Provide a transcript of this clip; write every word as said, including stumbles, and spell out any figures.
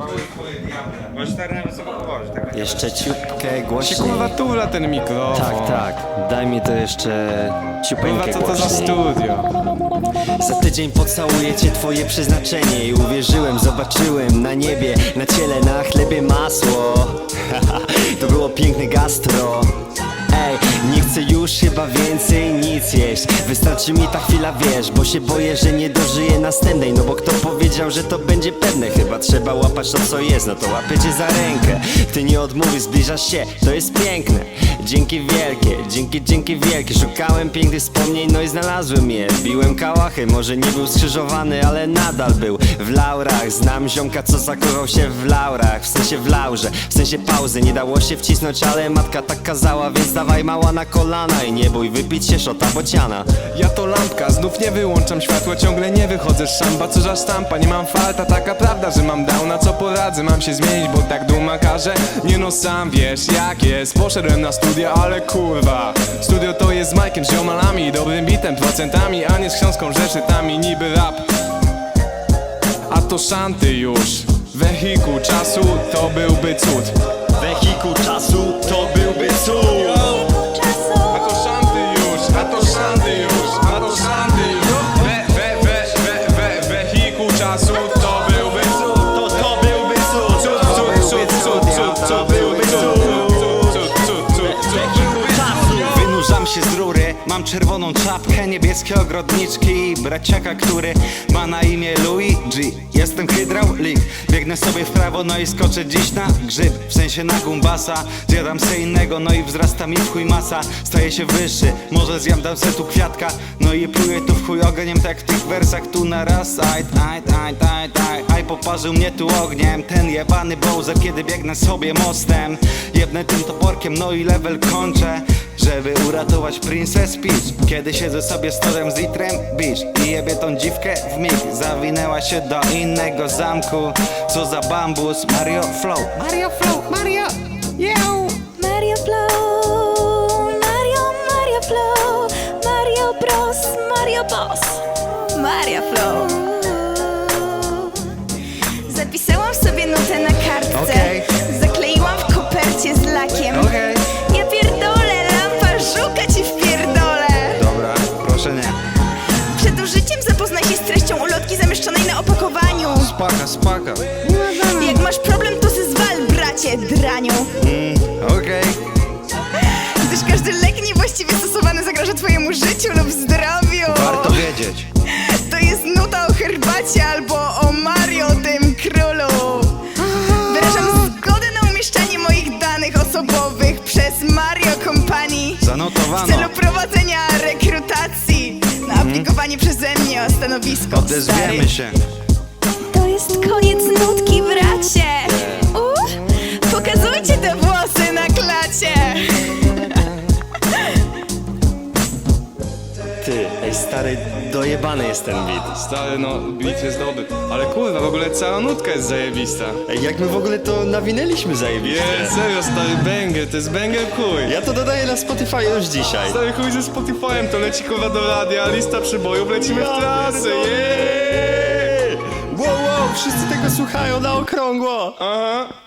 Możesz stary na wysoko położyć, tak? Jeszcze ciupkę Się głośniej. kurwa tula ten mikrofon. Tak, tak. Daj mi to jeszcze Kurwa, ciupeńkę co to za głośniej. studio? Za tydzień pocałuję cię, twoje przeznaczenie. I uwierzyłem, zobaczyłem na niebie, na ciele, na chlebie masło. To było piękne gastro. Ej, nie chcę już chyba więcej nic jeść. Wystarczy mi ta chwila, wiesz, bo się boję, że nie dożyję następnej. No bo kto powiedział, że to będzie pewne? Chyba trzeba łapać to, co jest, no to łapię cię za rękę. Ty nie odmówisz, zbliżasz się, to jest piękne. Dzięki wielkie, dzięki, dzięki wielkie. Szukałem pięknych wspomnień, no i znalazłem je. Biłem kałachy, może nie był skrzyżowany, ale nadal był w laurach. Znam ziomka, co zakochał się w laurach. W sensie w laurze, w sensie pauzy. Nie dało się wcisnąć, ale matka tak kazała, więc dawaj mała na kolana i nie bój wypić się szota bociana. Ja to lampka, znów nie wyłączam światła, ciągle nie wychodzę z szamba. Co za sztampa, nie mam falta, taka prawda, że mam downa. Co poradzę, mam się zmienić, bo tak duma każe. Nie no, sam wiesz jak jest, poszedłem na studia, ale kurwa. Studio to jest z Majkiem, z ziomalami, dobrym bitem, procentami, a nie z książką, zeszytami, niby rap. A to szanty już, wehikuł czasu, to byłby cud. Wehikuł czasu, to byłby cud. A to szanty już, a to szanty już, a to szanty już. We, we, we, we, we, wehikuł czasu, to byłby cud. To to byłby cud. Cud, cud, cud, cud, cud, To cud, byłby cud, cud. cud, cud, cud, Wehikuł czasu. Wynurzam się z rury, mam czerwoną czapkę, niebieskie ogrodniczki i braciaka, który ma na imię Luigi. Jestem hydraulik, biegnę sobie w prawo, no i skoczę dziś na grzyb. W sensie na gumbasa, zjadam se innego, no i wzrasta mi w chuj masa. Staję się wyższy, może zjadam se tu kwiatka, no i pluję tu w chuj ogniem, tak w tych wersach tu na raz. Aj, aj, aj, aj, aj, aj, poparzył mnie tu ogniem ten jebany Bowser, kiedy biegnę sobie mostem. Jebnę tym toporkiem, no i level kończę, żeby uratować Princess Peach. Kiedy siedzę sobie z torem z litrem beach i jebie tą dziwkę w mig. Zawinęła się do innego zamku. Co za bambus, Mario Flow. Mario Flow, Mario, yo. Mario Flow, Mario, Mario Flow, Mario Bros, Mario Boss, Mario Flow. Zapisałam sobie nutę na kartce, Okej. zakleiłam w kopercie z lakiem. Okej. Ja pierdolę, lampa, żuka ci wpierdolę. Dobra, proszę nie. Przed użyciem zapoznaj się z treścią ulotki zamieszczonej na opakowaniu. Spaka, spaka. Jak masz problem, to se zwal, bracie, draniu. Mm, okej. Gdyż każdy lek niewłaściwie stosowany zagraża twojemu życiu lub zdrowiu. Warto wiedzieć. To jest nuta o herbacie albo o Mario, tym królu. Wyrażam zgodę na umieszczanie moich danych osobowych przez Mario Company w Zanotowano. celu prowadzenia rekrutacji na aplikowanie przeze mnie o stanowisko. Odezwiemy stary. się. To jest koniec nutki, bracie. Uh, pokazujcie te włosy na klacie. Ty, ej stary, dojebany jest ten beat. Stary, no, beat jest dobry. Ale kurwa, w ogóle cała nutka jest zajebista. Ej, jak my w ogóle to nawinęliśmy zajebiście. Jest, serio, stary, banger, to jest banger chuj. Ja to dodaję na Spotify już dzisiaj. Stary chuj ze Spotify'em, to leci kurwa do radia, lista przybojów, lecimy w trasę, yeah! Wow, wow, wszyscy tego słuchają na okrągło. Aha.